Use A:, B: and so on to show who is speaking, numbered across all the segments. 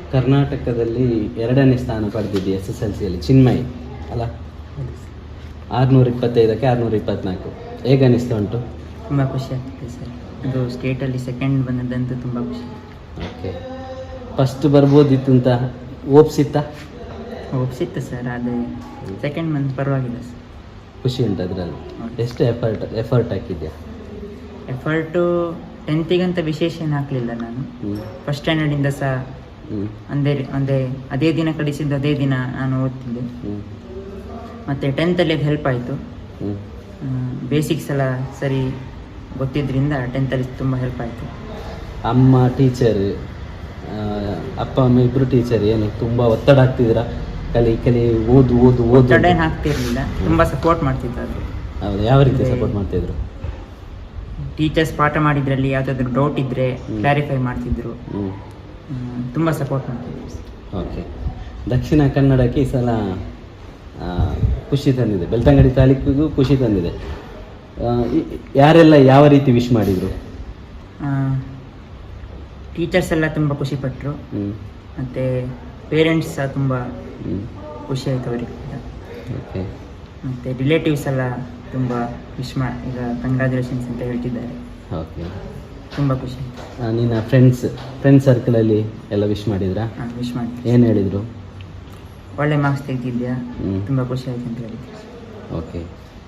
A: ಕರ್ನಾಟಕದಲ್ಲಿ 2ನೇ ಸ್ಥಾನ ಪಡೆದಿದ್ದೆ SSLCಯಲ್ಲಿ, ಚಿನ್ಮಯ್ ಅಲ್ಲ? 625ಕ್ಕೆ 624. ಹೇಗೆ ಅನಿಸ್ತಾ ಉಂಟು?
B: ತುಂಬ ಖುಷಿ ಆಗ್ತಿದೆ ಸರ್. ಅದು ಸ್ಟೇಟಲ್ಲಿ ಸೆಕೆಂಡ್ ಬಂದದ್ದಂತೂ ತುಂಬ ಖುಷಿ.
A: ಓಕೆ, ಫಸ್ಟ್ ಬರ್ಬೋದಿತ್ತು ಅಂತ ಒಪ್ಸಿತ್ತಾ?
B: ಒಪ್ಸಿತ್ತು ಸರ್, ಆದರೆ ಸೆಕೆಂಡ್ ಬಂದು ಪರವಾಗಿಲ್ಲ ಸರ್.
A: ಖುಷಿ ಉಂಟು ಅದರಲ್ಲಿ? ಎಷ್ಟು ಎಫರ್ಟ್ ಹಾಕಿದ್ಯಾ?
B: ಎಫರ್ಟು 10th ವಿಶೇಷ ಏನು ಹಾಕಲಿಲ್ಲ ನಾನು. ಫಸ್ಟ್ ಸ್ಟ್ಯಾಂಡರ್ಡಿಂದ ಸಹ ಅದೇ ದಿನ ಕಳಿಸಿದ್ದು ಅದೇ ದಿನ ನಾನು ಓದ್ತಿದ್ದೆ. ಮತ್ತು 10th ಹೆಲ್ಪ್ ಆಯಿತು. ಬೇಸಿಕ್ಸ್ ಎಲ್ಲ ಸರಿ ಗೊತ್ತಿದ್ದರಿಂದ 10th ತುಂಬ ಹೆಲ್ಪ್ ಆಯಿತು.
A: ಅಮ್ಮ ಟೀಚರ್, ಅಪ್ಪ ಅಮ್ಮ ಇಬ್ಬರು ಟೀಚರ್, ಏನು ತುಂಬ ಒತ್ತಡ ಹಾಕ್ತಿದ್ದೀರಾ? ಕಲಿ ಓದು
B: ಒತ್ತಡ ಏನು ಹಾಕ್ತಿರ್ಲಿಲ್ಲ, ತುಂಬ ಸಪೋರ್ಟ್ ಮಾಡ್ತಿದ್ರು.
A: ಹೌದು, ಯಾವ ರೀತಿ ಸಪೋರ್ಟ್ ಮಾಡ್ತಿದ್ರು?
B: ಟೀಚರ್ಸ್ ಪಾಠ ಮಾಡಿದ್ರಲ್ಲಿ ಯಾವುದಾದ್ರು ಡೌಟ್ ಇದ್ದರೆ ಕ್ಲಾರಿಫೈ ಮಾಡ್ತಿದ್ರು. ತುಂಬ ಸಪೋರ್ಟ್ ಮಾಡ್ತಿದ್ರು.
A: ಓಕೆ, ದಕ್ಷಿಣ ಕನ್ನಡಕ್ಕೆ ಈ ಸಲ ಖುಷಿ ತಂದಿದೆ, ಬೆಳ್ತಂಗಡಿ ತಾಲೂಕಿಗೂ ಖುಷಿ ತಂದಿದೆ. ಯಾರೆಲ್ಲ ಯಾವ ರೀತಿ ವಿಶ್ ಮಾಡಿದರು?
B: ಟೀಚರ್ಸ್ ಎಲ್ಲ ತುಂಬ ಖುಷಿಪಟ್ಟರು, ಮತ್ತು ಪೇರೆಂಟ್ಸ್ ಸಹ ತುಂಬ ಖುಷಿ ಆಯಿತು ಅವರಿಗೆ.
A: ಓಕೆ,
B: ಮತ್ತು ರಿಲೇಟಿವ್ಸ್ ಎಲ್ಲ ತುಂಬ ವಿಶ್ ಈಗ ಕಂಗ್ರ್ಯಾಚುಲೇಷನ್ಸ್ ಅಂತ ಹೇಳ್ತಿದ್ದಾರೆ.
A: ಓಕೆ,
B: ತುಂಬ ಖುಷಿ ಆಯಿತು.
A: ನಿನ್ನ ಫ್ರೆಂಡ್ಸ್ ಸರ್ಕಲಲ್ಲಿ ಎಲ್ಲ ವಿಶ್ ಮಾಡಿದ್ರಾ?
B: ವಿಶ್ ಮಾಡಿ.
A: ಏನು ಹೇಳಿದರು?
B: ಒಳ್ಳೆ ಮಾರ್ಕ್ಸ್ ತೆಗೆದಿದ್ಯಾ, ತುಂಬ ಖುಷಿ ಆಯಿತು ಅಂತ ಹೇಳಿದ್ರು.
A: ಓಕೆ,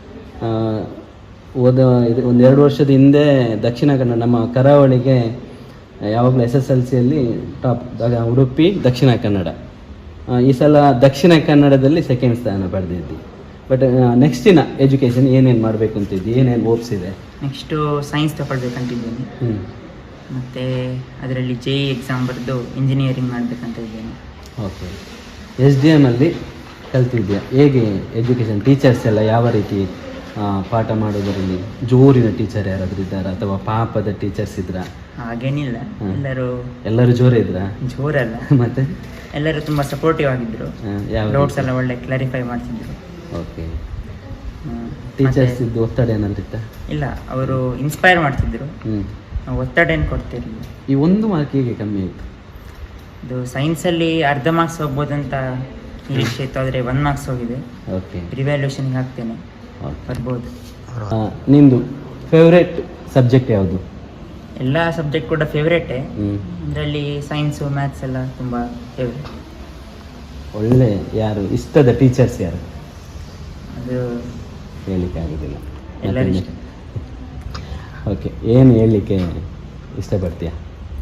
A: ಇದು 1-2 ವರ್ಷದ ಹಿಂದೆ ದಕ್ಷಿಣ ಕನ್ನಡ, ನಮ್ಮ ಕರಾವಳಿಗೆ ಯಾವಾಗಲೂ SSLCಯಲ್ಲಿ ಟಾಪ್ ಉಡುಪಿ, ದಕ್ಷಿಣ ಕನ್ನಡ. ಈ ಸಲ ದಕ್ಷಿಣ ಕನ್ನಡದಲ್ಲಿ ಸೆಕೆಂಡ್ ಸ್ಥಾನ ಪಡೆದಿದ್ದಿ. ಬಟ್ ನೆಕ್ಸ್ಟಿನ ಎಜುಕೇಷನ್ ಏನೇನು ಮಾಡಬೇಕು ಅಂತಿದ್ದಿ? ಏನೇನು ಓಪ್ಸಿದೆ?
B: Next science ತಗೊಳ್ಬೇಕಂತಿದ್ದೀನಿ. ಮತ್ತು ಅದರಲ್ಲಿ JEE ಎಕ್ಸಾಮ್ ಬರೆದು ಇಂಜಿನಿಯರಿಂಗ್ ಮಾಡಬೇಕಂತ ಇದ್ದೇನೆ.
A: ಓಕೆ, SDM ಅಲ್ಲಿ ಕಲ್ತಿದ್ಯಾ? ಹೇಗೆ ಎಜುಕೇಷನ್? ಟೀಚರ್ಸ್ ಎಲ್ಲ ಯಾವ ರೀತಿ ಪಾಠ ಮಾಡೋದರಲ್ಲಿ ಜೋರಿನ ಟೀಚರ್ ಯಾರಾದರೂ ಇದ್ದಾರಾ ಅಥವಾ ಪಾಪದ ಟೀಚರ್ಸ್ ಇದ್ರಾ?
B: ಹಾಗೇನಿಲ್ಲ,
A: ಎಲ್ಲರೂ ಜೋರೇ ಇದ್ರಾ?
B: ಜೋರಲ್ಲ,
A: ಮತ್ತೆ
B: ಎಲ್ಲರೂ ತುಂಬ ಸಪೋರ್ಟಿವ್ ಆಗಿದ್ದರು. ಡೌಟ್ಸ್ ಎಲ್ಲ ಒಳ್ಳೆ ಕ್ಲಾರಿಫೈ ಮಾಡ್ತಿದ್ರು.
A: ಓಕೆ, ಟೀಚರ್ಸ್ ಇದ್ದು ಒತ್ತಡ ಏನಾದ್ರು ಇತ್ತಾ?
B: ಇಲ್ಲ, ಅವರು ಇನ್ಸ್ಪೈರ್ ಮಾಡ್ತಿದ್ರು, ಒತ್ತಡ ಏನು ಕೊಡ್ತಿರಲಿಲ್ಲ.
A: ಈ 1 ಮಾರ್ಕ್ ಹೇಗೆ ಕಮ್ಮಿ ಆಯಿತು?
B: ಇದು ಸೈನ್ಸಲ್ಲಿ ಅರ್ಧ ಮಾರ್ಕ್ಸ್ ಹೋಗ್ಬೋದಂತ ನಿರೀಕ್ಷೆ ಇತ್ತು, ಆದರೆ 1 ಮಾರ್ಕ್ಸ್ ಹೋಗಿದೆ.
A: ಓಕೆ,
B: ರಿವ್ಯಾಲ್ಯೂಷನ್ಗೆ ಹಾಕ್ತೇನೆ, ಬರ್ಬೋದು.
A: ನಿಮ್ಮದು ಫೇವ್ರೇಟ್ ಸಬ್ಜೆಕ್ಟ್ ಯಾವುದು?
B: ಎಲ್ಲ ಸಬ್ಜೆಕ್ಟ್ ಕೂಡ ಫೇವ್ರೇಟೇ. ಅದರಲ್ಲಿ ಸೈನ್ಸು, ಮ್ಯಾಥ್ಸ್ ಎಲ್ಲ ತುಂಬ ಫೇವ್ರೇಟ್.
A: ಒಳ್ಳೆ ಯಾರು ಇಷ್ಟದ ಟೀಚರ್ಸ್ ಯಾರು?
B: ಅದು
A: ಹೇಳಲಿಕ್ಕೆ ಆಗೋದಿಲ್ಲ.
B: ಎಲ್ಲರೂ ಇಷ್ಟ.
A: ಓಕೆ, ಏನು ಹೇಳಲಿಕ್ಕೆ ಇಷ್ಟಪಡ್ತೀಯಾ?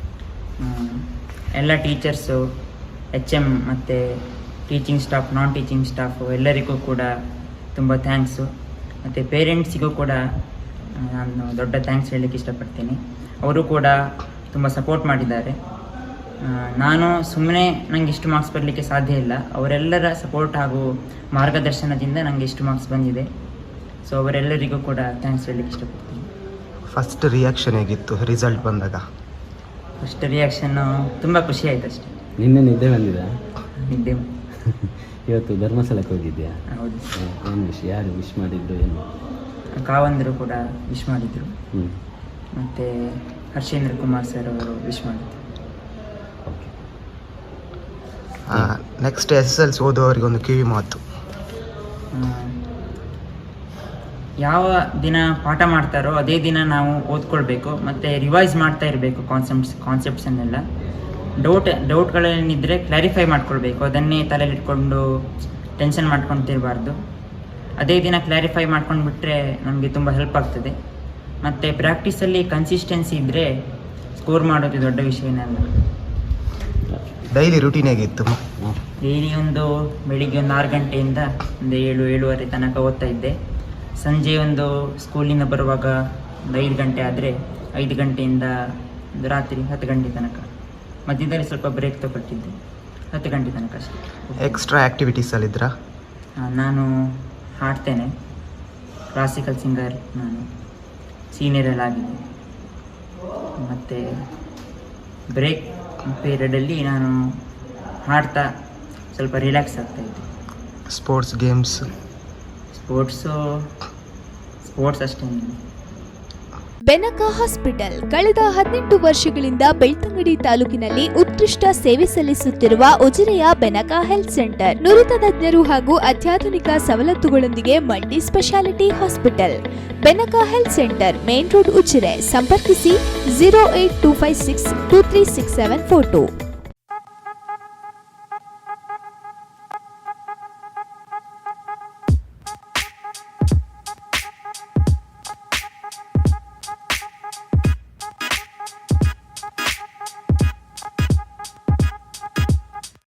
B: ಎಲ್ಲ ಟೀಚರ್ಸು, HM ಮತ್ತು teaching staff, non teaching staff ಎಲ್ಲರಿಗೂ ಕೂಡ ತುಂಬ ಥ್ಯಾಂಕ್ಸು. ಮತ್ತು ಪೇರೆಂಟ್ಸಿಗೂ ಕೂಡ ನಾನು ದೊಡ್ಡ ಥ್ಯಾಂಕ್ಸ್ ಹೇಳಲಿಕ್ಕೆ ಇಷ್ಟಪಡ್ತೀನಿ. ಅವರು ಕೂಡ ತುಂಬ ಸಪೋರ್ಟ್ ಮಾಡಿದ್ದಾರೆ. ನಾನು ಸುಮ್ಮನೆ ನನಗೆ ಇಷ್ಟು ಮಾರ್ಕ್ಸ್ ಬರಲಿಕ್ಕೆ ಸಾಧ್ಯ ಇಲ್ಲ, ಅವರೆಲ್ಲರ ಸಪೋರ್ಟ್ ಹಾಗೂ ಮಾರ್ಗದರ್ಶನದಿಂದ ನನಗೆ ಇಷ್ಟು ಮಾರ್ಕ್ಸ್ ಬಂದಿದೆ. ಸೊ ಅವರೆಲ್ಲರಿಗೂ ಕೂಡ ಥ್ಯಾಂಕ್ಸ್ ಹೇಳಲಿಕ್ಕೆ ಇಷ್ಟಪಡ್ತೀನಿ.
C: ಫಸ್ಟ್ ರಿಯಾಕ್ಷನ್ ಹೇಗಿತ್ತು ರಿಸಲ್ಟ್ ಬಂದಾಗ?
B: ಫಸ್ಟ್ ರಿಯಾಕ್ಷನ್ನು ತುಂಬ ಖುಷಿ ಆಯಿತು ಅಷ್ಟೇ.
A: ನಿನ್ನೆ ನಿದ್ದೆ ಬಂದಿದೆ?
B: ನಿದ್ದೆ.
A: ಇವತ್ತು ಧರ್ಮಸ್ಥಳಕ್ಕೆ ಹೋಗಿದ್ಯಾ?
B: ಹೌದು.
A: ಏನು ವಿಷಯ? ಯಾರು ವಿಶ್ ಮಾಡಿದ್ರು? ಏನು?
B: ಕಾವಂದರು ಕೂಡ ವಿಶ್ ಮಾಡಿದರು, ಮತ್ತು ಹರ್ಷೇಂದ್ರ ಕುಮಾರ್ ಸರ್ ಅವರು ವಿಶ್ ಮಾಡಿದ್ರು.
A: ಓಕೆ,
C: ನೆಕ್ಸ್ಟ್ SSLC ಓದುವವರಿಗೆ ಒಂದು ಕಿವಿ ಮಾತು.
B: ಯಾವ ದಿನ ಪಾಠ ಮಾಡ್ತಾರೋ ಅದೇ ದಿನ ನಾವು ಓದ್ಕೊಳ್ಬೇಕು, ಮತ್ತು ರಿವೈಸ್ ಮಾಡ್ತಾ ಇರಬೇಕು ಕಾನ್ಸೆಪ್ಟ್ಸನ್ನೆಲ್ಲ. ಡೌಟ್ಗಳೇನಿದ್ದರೆ ಕ್ಲಾರಿಫೈ ಮಾಡ್ಕೊಳ್ಬೇಕು, ಅದನ್ನೇ ತಲೆಯಲ್ಲಿ ಇಟ್ಕೊಂಡು ಟೆನ್ಷನ್ ಮಾಡ್ಕೊತಿರಬಾರ್ದು. ಅದೇ ದಿನ ಕ್ಲಾರಿಫೈ ಮಾಡ್ಕೊಂಡು ಬಿಟ್ಟರೆ ನಮಗೆ ತುಂಬ ಹೆಲ್ಪ್ ಆಗ್ತದೆ. ಮತ್ತು ಪ್ರಾಕ್ಟೀಸಲ್ಲಿ ಕನ್ಸಿಸ್ಟೆನ್ಸಿ ಇದ್ದರೆ ಸ್ಕೋರ್ ಮಾಡೋದು ದೊಡ್ಡ ವಿಷಯನಲ್ಲ.
C: ಡೈಲಿ ರೂಟೀನ್ ಹೇಗಿತ್ತು?
B: ಡೈಲಿ ಬೆಳಿಗ್ಗೆ 6 ಗಂಟೆಯಿಂದ 7-7:30 ತನಕ ಓದ್ತಾ ಇದ್ದೆ. ಸಂಜೆ ಸ್ಕೂಲಿಂದ ಬರುವಾಗ 5 ಗಂಟೆ ಆದರೆ 5 ಗಂಟೆಯಿಂದ ರಾತ್ರಿ 10 ಗಂಟೆ ತನಕ. ಮಧ್ಯದಲ್ಲಿ ಸ್ವಲ್ಪ ಬ್ರೇಕ್ ತಗೊಳ್ತಿದ್ದೆ, 10 ಗಂಟೆ ತನಕ ಅಷ್ಟೇ.
C: ಎಕ್ಸ್ಟ್ರಾ ಆ್ಯಕ್ಟಿವಿಟೀಸಲ್ಲಿದ್ರಾ?
B: ನಾನು ಹಾಡ್ತೇನೆ, ಕ್ಲಾಸಿಕಲ್ ಸಿಂಗರ್, ನಾನು ಸೀನಿಯರಲ್ಲಿ ಆಗಿದೆ. ಮತ್ತು ಬ್ರೇಕ್ ಪೀರಿಯಡಲ್ಲಿ ನಾನು ಹಾಡ್ತಾ ಸ್ವಲ್ಪ ರಿಲ್ಯಾಕ್ಸ್ ಆಗ್ತಾಯಿದ್ದೆ.
C: Sports games?
B: ಸ್ಪೋರ್ಟ್ಸ್ ಅಷ್ಟೇನಿಲ್ಲ.
D: ಬೆನಕ ಹಾಸ್ಪಿಟಲ್ ಕಳೆದ 18 ವರ್ಷಗಳಿಂದ ಬೆಳ್ತಂಗಡಿ ತಾಲೂಕಿನಲ್ಲಿ ಉತ್ಕೃಷ್ಟ ಸೇವೆ ಸಲ್ಲಿಸುತ್ತಿರುವ ಉಜಿರೆಯ ಬೆನಕ ಹೆಲ್ತ್ ಸೆಂಟರ್ ನುರಿತ ತಜ್ಞರು ಹಾಗೂ ಅತ್ಯಾಧುನಿಕ ಸವಲತ್ತುಗಳೊಂದಿಗೆ multi speciality hospital. Benaka health centre, main road, Ujire. ಸಂಪರ್ಕಿಸಿ 08256236742.